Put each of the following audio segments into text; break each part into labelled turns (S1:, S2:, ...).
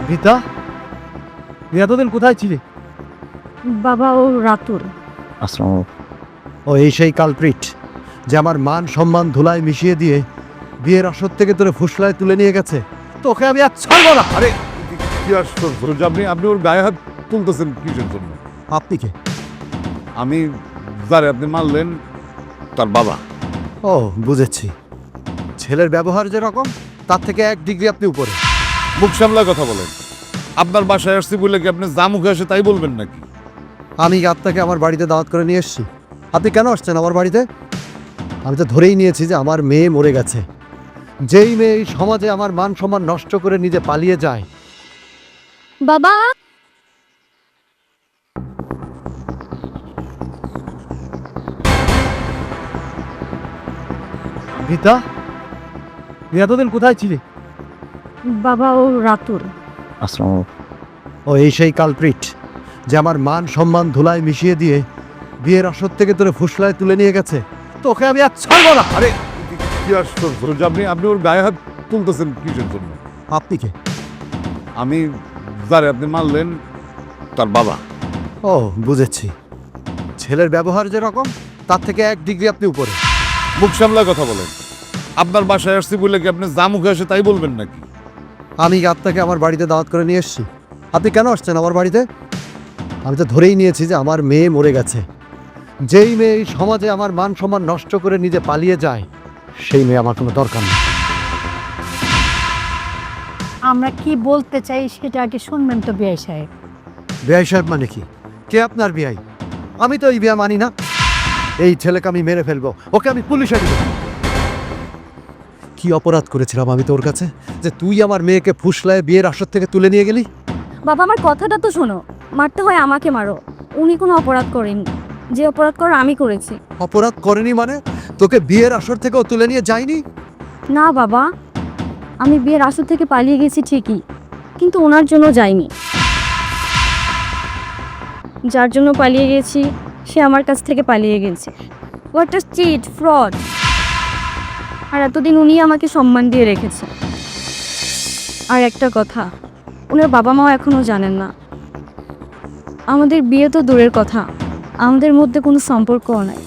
S1: রীতা, তুই এতদিন কোথায় ছিলি?
S2: বাবা, ও রাতুল।
S3: আসসালামু
S1: ও এই সেই কালপ্রিট যে আমার মান সম্মান ধুলায় মিশিয়ে দিয়ে বিয়ের আসর থেকে তোরে ফুসলায় তুলে নিয়ে গেছে। তোকে আমি আর ছাড়বো না।
S4: আরে কি আশ্চর্য, আপনি আপনি ওর গায়ে হাত তুলতেছেন কিসের জন্য?
S1: আপনি কে?
S4: আমি যারে আপনি মারলেন তার বাবা।
S1: ও বুঝেছি, ছেলের ব্যবহার যেরকম তার থেকে 1 ডিগ্রি আপনি উপরে।
S4: মুখ সামলা কথা বলেন। আপনার বাসায় আসছি বলে কি আপনি যা মুখে আসে তাই বলবেন নাকি?
S1: আমি আপনাকে আমার বাড়িতে দাওয়াত করে নিয়ে এসেছি, আপনি কেন আসছেন আমার বাড়িতে? আমি তো ধরেই নিয়েছি যে আমার মেয়ে মরে গেছে। যেই মেয়ে এই সমাজে আমার মান সম্মান নষ্ট করে নিজে পালিয়ে যায়।
S2: বাবা,
S1: রীতা, তুই এতদিন কোথায় ছিলি?
S2: বাবা, ও রাতুল।
S3: আসসালামু
S1: ও এই সেই কালপ্রিট যে আমার মান সম্মান ধুলায় মিশিয়ে দিয়ে বিয়ের আসর থেকে তোরে ফুসলায় তুলে নিয়ে গেছে। তোকে আমি আর ছাড়বো না।
S4: আরে কি আশ্চর্য, আপনি আপনি ওর গায়ে হাত তুলতেছেন কিসের জন্য?
S1: আপনি কে?
S4: আমি যারে আপনি মারলেন তার বাবা।
S1: ও বুঝেছি, ছেলের ব্যবহার যেরকম তার থেকে 1 ডিগ্রি আপনি উপরে।
S4: মুখ সামলা কথা বলেন। আপনার বাসায় আসছি বলে কি আপনি যা মুখে আসে তাই বলবেন নাকি?
S1: আমি আপনাকে আমার বাড়িতে দাওয়াত করে নিয়ে এসেছি, আপনি কেন আসছেন আমার বাড়িতে? আমি তো ধরেই নিয়েছি যে আমার মেয়ে মরে গেছে। যেই মেয়ে এই সমাজে আমার মান সম্মান নষ্ট করে নিজে পালিয়ে যায়, সেই মেয়ে আমার কোনো দরকার নেই।
S2: আমরা কি বলতে চাই সেটা আগে শুনবেন তো বিআই সাহেব।
S1: বিআই সাহেব মানে কি? কে আপনার বিআই? আমি তো এই বিয়া মানি না। এই ছেলেকে আমি মেরে ফেলবো, ওকে আমি পুলিশে দিব। কি অপরাধ করেছিলাম আমি তোর কাছে যে তুই আমার মেয়েকে ফুসলায় বিয়ের আসর থেকে তুলে নিয়ে গেলি?
S2: বাবা, আমার কথাটা তো শোনো। মারতে হয় আমাকে মারো, উনি কোনো অপরাধ করেননি। যে অপরাধ করার আমি করেছি।
S1: অপরাধ করেনি মানে? তোকে বিয়ের আসর থেকেও তুলে নিয়ে যায়নি?
S2: না বাবা, আমি বিয়ের আসর থেকে পালিয়ে গেছি ঠিকই, কিন্তু ওনার জন্য যাইনি। যার জন্য পালিয়ে গেছি সে আমার কাছ থেকে পালিয়ে গেছে। What a cheat, fraud. আর এতদিন উনি আমাকে সম্মান দিয়ে রেখেছে। আর একটা কথা, ওনার বাবা মাও এখনো জানেন না। আমাদের বিয়ে তো দূরের কথা, আমাদের মধ্যে কোনো সম্পর্কও নাই।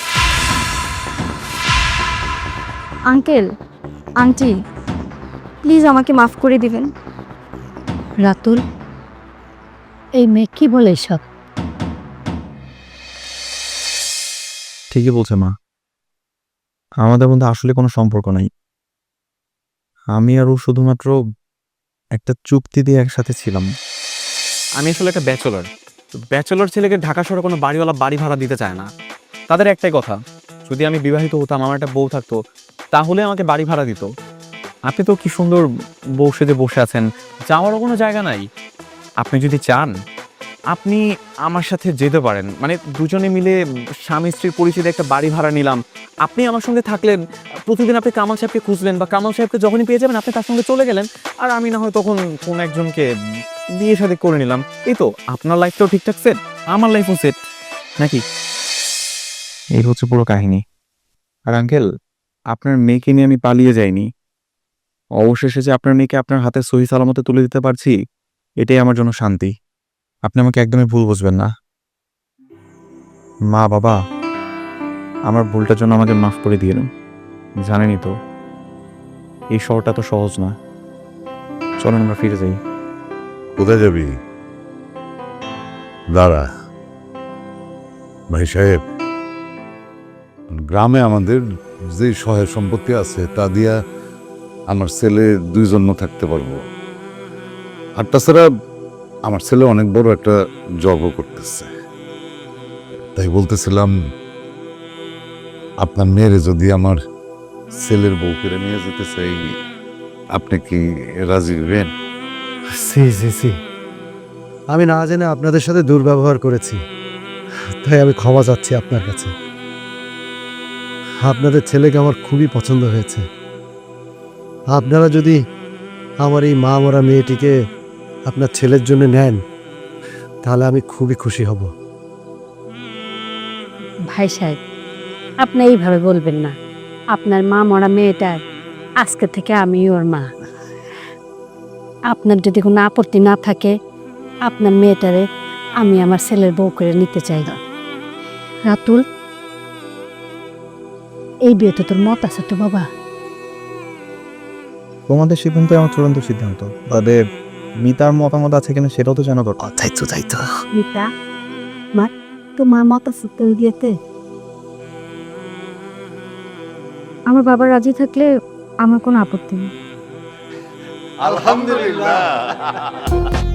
S2: আঙ্কেল, আন্টি, প্লিজ আমাকে মাফ করে দিবেন।
S5: রাতুল, এই মেয়ে কি বলে সব?
S3: ঠিকই বলছে মা, আমাদের মধ্যে আসলে কোনো সম্পর্ক নাই। আমি আর ও শুধুমাত্র একটা চুক্তি দিয়ে একসাথে ছিলাম।
S6: আমি আসলে একটা ব্যাচেলর ছেলেকে ঢাকা শহরে কোনো বাড়িওয়ালা বাড়ি ভাড়া দিতে চায় না। তাদের একটাই কথা, যদি আমি বিবাহিত হতাম, আমার একটা বউ থাকতো, তাহলে আমাকে বাড়ি ভাড়া দিত। আপনি তো কি সুন্দর বউ সেজে বসে আছেন, যাওয়ারও কোনো জায়গা নাই। আপনি যদি চান আপনি আমার সাথে যেতে পারেন, মানে দুজনে মিলে স্বামী স্ত্রীর পরিচিত একটা বাড়ি ভাড়া নিলাম। আপনি আমার সঙ্গে থাকলেন, প্রতিদিন আপনি কামাল সাহেবকে খুঁজলেন, বা কামাল সাহেবকে যখনই পেয়ে যাবেন আপনি তার সঙ্গে চলে গেলেন, আর আমি না হয় তখন কোন একজনকে বিয়ে শাদী করে নিলাম। এই তো আপনার লাইফটাও ঠিকঠাক সেট, আমার লাইফও সেট, নাকি?
S3: এই হচ্ছে পুরো কাহিনী। আর আঙ্কেল, আপনার মেয়েকে নিয়ে আমি পালিয়ে যাইনি। অবশেষে যে আপনার মেয়েকে আপনার হাতে সহি সালামতে তুলে দিতে পারছি, এটাই আমার জন্য শান্তি। আপনি আমাকে একদমই ভুল বুঝবেন না। মা বাবা, আমার ভুলটার জন্য আমাকে মাফ করে দিয়ে দিন। জানেনই তো এই শহরটা তো সহজ না। চলেন আমরা ফিরে যাই।
S4: কোথায় যাবি? দাঁড়া ভাই সাহেব, গ্রামে আমাদের যে সহায় সম্পত্তি আছে তা দিয়া আমার ছেলে 2 জন্য থাকতে পারবো। আর তাছাড়া আমার ছেলে অনেক বড় একটা জবও করতেছে। তাই বলতেছিলাম, আপনার মেয়েরে যদি আমার ছেলের বউ করে নিয়ে যেতে চাই, আপনি কি রাজি হবেন?
S1: সি সি সি, আমি না জেনে আপনাদের সাথে দুর্ব্যবহার করেছি, তাই আমি ক্ষমা চাচ্ছি আপনার কাছে। আপনাদের ছেলেকে আমার খুবই পছন্দ হয়েছে। আপনারা যদি আমার এই মা মরা মেয়েটিকে আপনার ছেলের জন্য নেন, তাহলে আমি খুবই খুশি হব।
S5: ভাই সাহেব, আপনি এইভাবে বলবেন না। আপনার মা মরা মেয়েটার আজকে থেকে আমি ওর মা। আপনার যদি কোনো আপত্তি না থাকে আপনার মেয়েটারে আমি আমার ছেলের বউ করে নিতে চাই না। রাতুল, এই বিয়েতে তোর মত আছে তো বাবা?
S3: তোমাদের সিদ্ধান্ত আমার চূড়ান্ত সিদ্ধান্ত, তবে মিতার মতামত আছে কিনা সেটাও তো জানা দরকার।
S1: তাই তো
S5: মিতা, মা তোমার মত আছে তো এই বিয়েতে?
S2: আমার বাবা রাজি থাকলে আমার কোনো আপত্তি নেই।
S1: আলহামদুলিল্লাহ।